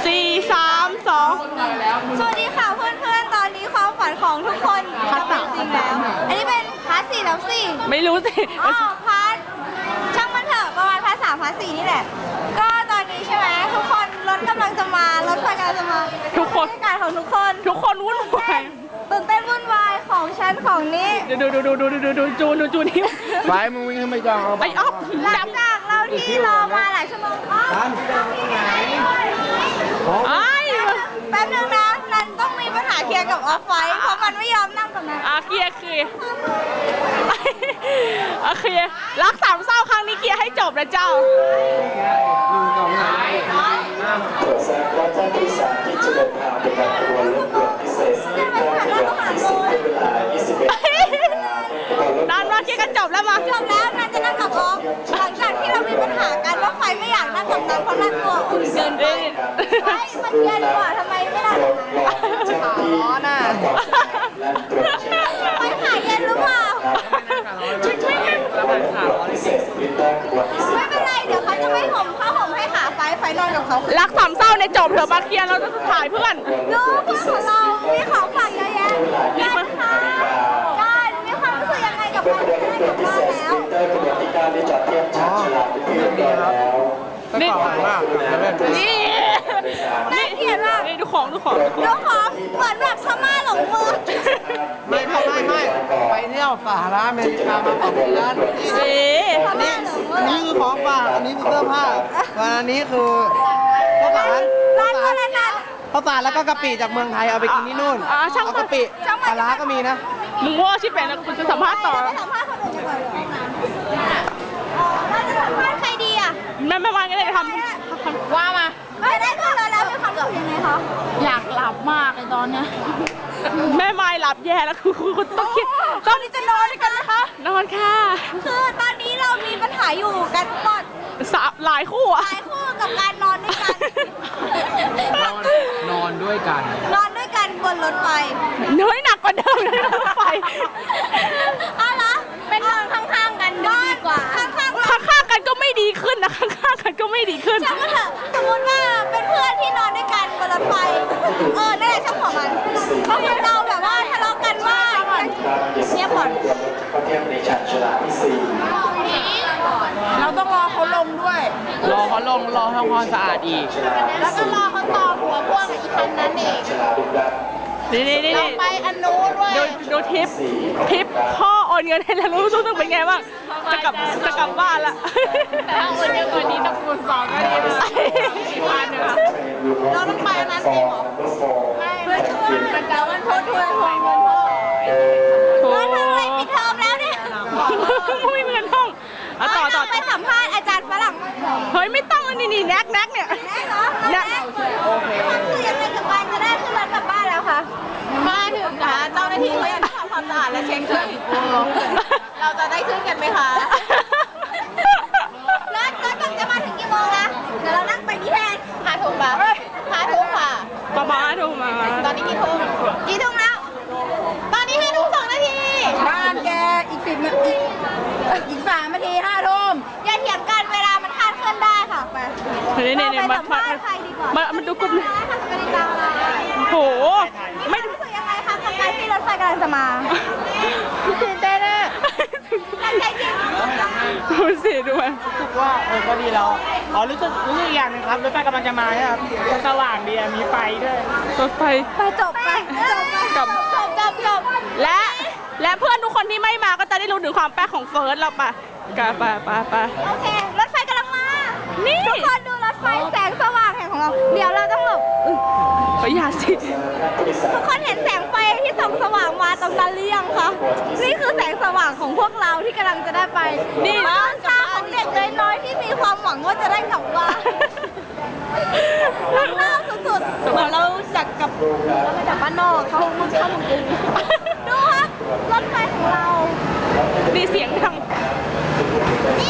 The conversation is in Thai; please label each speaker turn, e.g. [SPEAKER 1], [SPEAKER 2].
[SPEAKER 1] 4 3 2
[SPEAKER 2] สวัสดีค่ะเพื่อนๆ ตอนนี้ความฝันของทุกคนจะเป็นจริงแล้ว อันนี้เป็นพาร์ท 4 แล้วสิ
[SPEAKER 1] ไม่รู้สิ
[SPEAKER 2] อ๋อพาร์ทช่างมันเถอะประมาณพาร์ท 3 พาร์ท 4 นี่แหละ ก็ตอนนี้ใช่ไหมทุกคนรถกำลังจะมารถไฟกำลังจะมา
[SPEAKER 1] ทุกคน
[SPEAKER 2] บรรยากาศของทุกคน
[SPEAKER 1] วุ่นวาย
[SPEAKER 2] ตื่นเต้นวุ่นวายของฉันของนี้
[SPEAKER 1] ดูจูนนี่
[SPEAKER 3] ไปมึงวิ่งขึ้นไปก่อนเอา
[SPEAKER 1] ไอ้อ๊อฟ
[SPEAKER 2] หลังจากเราที่รอมาหลายชั่วโมงอ๋อ
[SPEAKER 1] ไอ้
[SPEAKER 2] แป๊บนึงนะนันต้องมีปัญหาเคลียร์กับออฟไฟเพราะมันไม่ยอมนั่งกับนัน
[SPEAKER 1] เคลียร์โอเครักสามเศร้าครั้งนี้เคลียร์ให้จบนะเจ้า
[SPEAKER 4] ตรวจทราบว่าท่านผู้โดยสารที่จะเดินทางไปยังขบวนรถด่วนพิเศษสลิปเตอร์ขยับที่10เป็นเวลา 21
[SPEAKER 1] นานมาเคลียร์กันจบแล้วมา
[SPEAKER 2] จบแล้วนันจะนั่งกับออฟหลังจากที่เรามีปัญหากันว่าใครไม่อยากนั่งกับนันเพราะนันตัวอุ่นเกินไปเฮ้ยมันเย็นกว่าทำไมไม่นั่งกับนัน
[SPEAKER 4] ร้อนอ่ะและตรวจเช็ค
[SPEAKER 2] ไม่หายเย็นหรือเปล่า
[SPEAKER 4] พิเศษสลิปเตอร์ขบวนที่10
[SPEAKER 2] ไม่เป็นไรเดี๋ยวเขาจะไม่ห่มผ้าห่มให้ขาไฟนอนกับเขา
[SPEAKER 1] รักสามเศร้าในจบเถอะมาเคลียร์เราจะถ่ายเพื่อน
[SPEAKER 2] ดูเพื่อนของเรามีของฝากเยอะแยะกันค่ะกันมีความรู้สึกยังไงกับการที่ได้กลับบ้านแล้ว
[SPEAKER 4] สลิปเตอร์ขบวนที่9ได้จอดเทียบชาร์จฉลากเป็นที่เรียบร้อยแล้ว
[SPEAKER 3] นี่ขอบมากเดี๋ยวเล่น
[SPEAKER 1] นี่
[SPEAKER 2] น่าเกลียดมาก
[SPEAKER 1] นี่ดูของ
[SPEAKER 2] ดูของเหมือนแบบพม่าหลงเมือง
[SPEAKER 3] ไม่ไปเที่ยวสหรัฐอเมริกามา2 เดือน
[SPEAKER 1] นี่
[SPEAKER 2] พม่าหลงเมือง
[SPEAKER 3] อันนี้คือของฝากอันนี้คือเสื้อผ้าส่วนอันนี้คือข้าวสาร
[SPEAKER 2] ร้านอะไรนะ
[SPEAKER 3] ข้าวสารแล้วก็กะปิจากเมืองไทยเอาไปกินที่นู่นเอากะปิปลาร้าก็มีนะ
[SPEAKER 1] มึงว่าชิบเป็นแล้วคุณจะสัมภาษณ์ต่อ
[SPEAKER 2] ไม่สัมภาษณ์คนอื่นดีกว่าเหรอเราจะสัมภาษณ์ใครดีอ่ะ
[SPEAKER 1] ไม่ว่ากันเลยทำว่ามา
[SPEAKER 2] ไม่ได้ขึ้นรถแล้วมีความรู้สึกยังไงคะ
[SPEAKER 1] อยากหลับมากเลยตอนเนี้ยแม่ไม้หลับแย่แล้วคือคุณต้องคิด
[SPEAKER 2] ตอนนี้จะนอนด้วยกันนะคะ
[SPEAKER 1] นอนค่ะ
[SPEAKER 2] คือตอนนี้เรามีปัญหาอยู่กันหมด
[SPEAKER 1] หลายคู่อะ
[SPEAKER 2] หลายคู่กับการนอนด้วยกัน
[SPEAKER 3] นอนด้วยกัน
[SPEAKER 2] นอนด้วยกันบนรถไฟ
[SPEAKER 1] เนื้อหนักกว่าเดิมเลยรถไฟ
[SPEAKER 2] อ้าวเหรอเป็นนอนข้างๆกันดีกว่า ข้างๆ
[SPEAKER 1] ข้างๆกันก็ไม่ดีขึ้นนะข้างๆกันก็ไม่ดีขึ้น
[SPEAKER 2] ช่างมันเถอะสมมติว่าเป็นเพื่อนที่นอนด้วยกันบนรถไฟนั่นแหละช่างหัวมันบางคนเราแบบว่าทะเลาะกันว่าเงียบก่อน
[SPEAKER 4] ก็เทียบในฉากฉลากที่4
[SPEAKER 2] เราต้องรอเขาลงด้วย
[SPEAKER 3] รอเขาลงรอทำความสะอาดอีก
[SPEAKER 2] แล้วก็รอเขาต่อหัวพ่วงอีกคันนั้นเอง
[SPEAKER 4] ฉลากดุดัน
[SPEAKER 1] นี่
[SPEAKER 2] เราไปอันนู้นด้วย
[SPEAKER 1] ดูทิปพ่อโอนเงินให้แล้วรู้สึกเป็นไงบ้างจะกลับบ้านละ
[SPEAKER 2] แต่ถ้าโอนเยอะกว่านี้ต้องคูณ2ก็ดีนะเราต้องไปอันนั้นเองเหรอไม่เพื่อช่วยมันจะวันพุธทวงเงินพ่อ
[SPEAKER 1] โอ้
[SPEAKER 2] เราทำอะไรปิดเทอมแล้วเนี่ย
[SPEAKER 1] ไม่มีเงินห้องต่อ
[SPEAKER 2] ไปสัมภาษณ์อาจารย์ฝรั่ง
[SPEAKER 1] เฮ้ยไม่ต้องนี่แน็กเนี่ย
[SPEAKER 2] ได้เหรอได้ความคือยังไงกับการจะได้ขึ้นรถกลับบ้านแล้วคะมาถึงนะเจ้าหน้าที่เขายังทำความสะอาดและเช็คเครื่องเราจะได้ขึ้นกันไหมคะรถจะมาถึงกี่โมงนะเดี๋ยวเรานั่งไปนี่แทน5 ทุ่มป่ะ5 ทุ่มค่ะ
[SPEAKER 1] ประมาณถูกมา
[SPEAKER 2] ตอนนี้กี่ทุ่มแล้ว ตอนนี้5 ทุ่ม 2 นาทีบ้านแกอีก10 นาทีอีก3 นาที5 ทุ่มอย่าเถียงกันเวลามันคลาดเคลื่อนได้ค่ะไป
[SPEAKER 1] นี่
[SPEAKER 2] ไปสัมภาษณ์ใครดีกว่า
[SPEAKER 1] มันดูกลุ่ม
[SPEAKER 2] ทำกติกาอะไร
[SPEAKER 1] โห
[SPEAKER 2] ไม่รู้สึกยังไงคะกับการที่รถไฟกำลังจะมาตื่นเต้นอะตั้งใจจริง
[SPEAKER 1] ดูสิดูมัน
[SPEAKER 3] รู้สึกว่าก็ดีแล้วรู้สึกอีกอย่างนึงครับรถไฟกำลังจะมาใช่ไหมครับสว่างดีมีไฟด้วย
[SPEAKER 1] รถไฟ
[SPEAKER 2] ไปจบ
[SPEAKER 1] และเพื่อนทุกคนที่ไม่มาก็จะได้รู้ถึงความแป๊กของเฟิร์สเราปะไป
[SPEAKER 2] โอเครถไฟกำลังมานี่ทุกคนดูรถไฟแสงสว่างแห่งของเราเดี๋ยวเราต้องหลบ
[SPEAKER 1] อย่าสิ
[SPEAKER 2] ทุกคนเห็นแสงไฟที่ส่องสว่างมาตรงนั้นหรือยังคะนี่คือแสงสว่างของพวกเราที่กำลังจะได้ไปนี่บ้านตาของเด็กน้อยๆที่มีความหวังว่าจะได้กลับบ้านรักเล่าสุดๆเหมือนเราจากกับเรามาจากบ้านนอกเขามุ่งเข้าเมืองกรุงดูครับรถไฟของเรา
[SPEAKER 1] ดีเสียงดัง
[SPEAKER 2] นี่